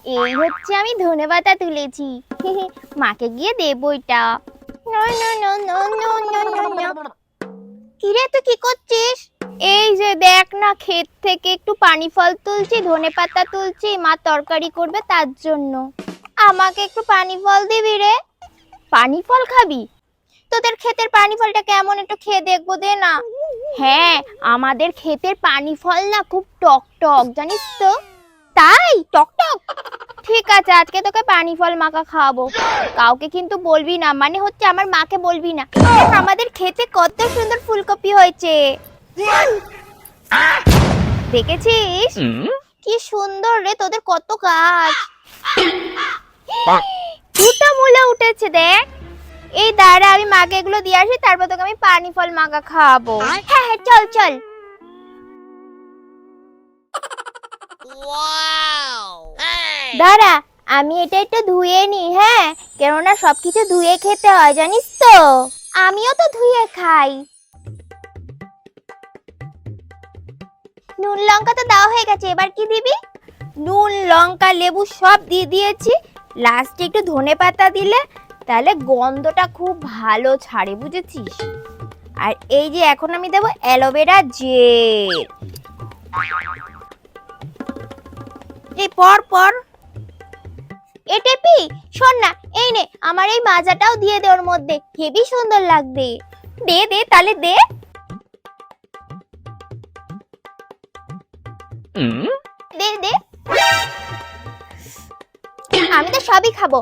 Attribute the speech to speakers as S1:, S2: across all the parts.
S1: এই হচ্ছে আমি ধনেপাতা তুলেছি। মাকে গিয়ে দেবো এটা। কিরে তুই কি করছিস? এই যে দেখ না, ক্ষেত থেকে একটু পানি ফল তুলছি, ধনেপাতা তুলছি, মা তরকারি করবে তার জন্য। আমাকে একটু পানি ফল দিবি রে? পানি ফল খাবি? তোদের ক্ষেতের পানি ফলটা কেমন, একটু খেয়ে দেখবো, দে না। হ্যাঁ, আমাদের ক্ষেতের পানি ফল না খুব টক টক, জানিস তো। তাই টক টক? ঠিক আছে, আজকে তোকে পানি ফল মাখা খাওয়াবো। কাউকে কিন্তু বলবি না, মানে হচ্ছে আমার মাকে বলবি না। দেখ আমাদের ক্ষেতে কত সুন্দর ফুলকপি হয়েছে, দেখেছিস? কি সুন্দর রে, তোদের কত গাছ। দুটো মূলা উঠেছে দেখ। এই দাঁড়া, আমি মাকে এগুলো দিয়ে আসি, তারপর তোকে আমি পানি ফল মাখা খাওয়াবো। হ্যাঁ হ্যাঁ, চল চল। দাঁড়া, আমি এটা একটু ধুয়ে নি। হ্যাঁ, কেননা সবকিছু ধুয়ে খেতে হয়, জানিস তো। আমিও তো ধুয়ে খাই। নুন লঙ্কা তো দেওয়া হয়ে গেছে, এবার কি দিবি? নুন লঙ্কা লেবু সব দিয়ে দিয়েছি। লাস্টে একটু ধনেপাতা দিলে তাহলে গন্ধটা খুব ভালো ছাড়ে, বুঝেছিস? আর এই যে এখন আমি দেবো অ্যালোভেরা জেল। এই পর পর এটেপি, শোন না, এই নে আমার এই মাজাটাও দিয়ে দে ওর মধ্যে, হেবি সুন্দর লাগবে। দে দে তাহলে দে। দে দে, আমি তো সবই খাবো।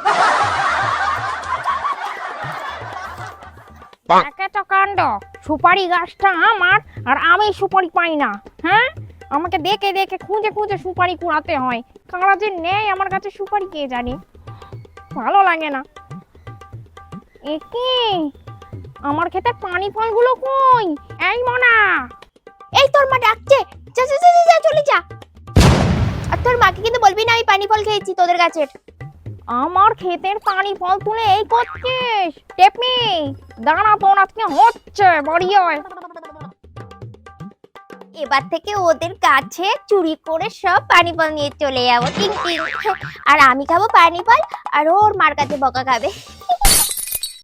S2: একে তো কাণ্ড, সুপারি গাছটা আমার আর আমি সুপারি পাই না। হ্যাঁ, আমাকে দেখে দেখে খুঁজে খুঁজে সুপারি কুড়াতে হয়। কারা যে নেই আমার কাছে সুপারি, কে জানি, ভালো লাগে না। একি আমার খেতে পানি ফলগুলো কই? এই মনা,
S1: এই তোর মা ডাকছে, যা যা যা যা, চলে যা। আর তোর মাকে কিন্তু বলবি না আমি পানি ফল খেয়েছি তোদের গাছের।
S2: আমার ক্ষেতের পানি ফল তুলে এই করছিস? টেপনি দাঁড়া, তোর আজকে হচ্ছে, বাড়ি হয়।
S1: এবার থেকে ওদের কাছে চুরি করে সব পানি ফল নিয়ে চলে যাবো, টিং টিং। আর আমি খাবো পানি ফল, আর ওর মার কাছে বকা খাবে।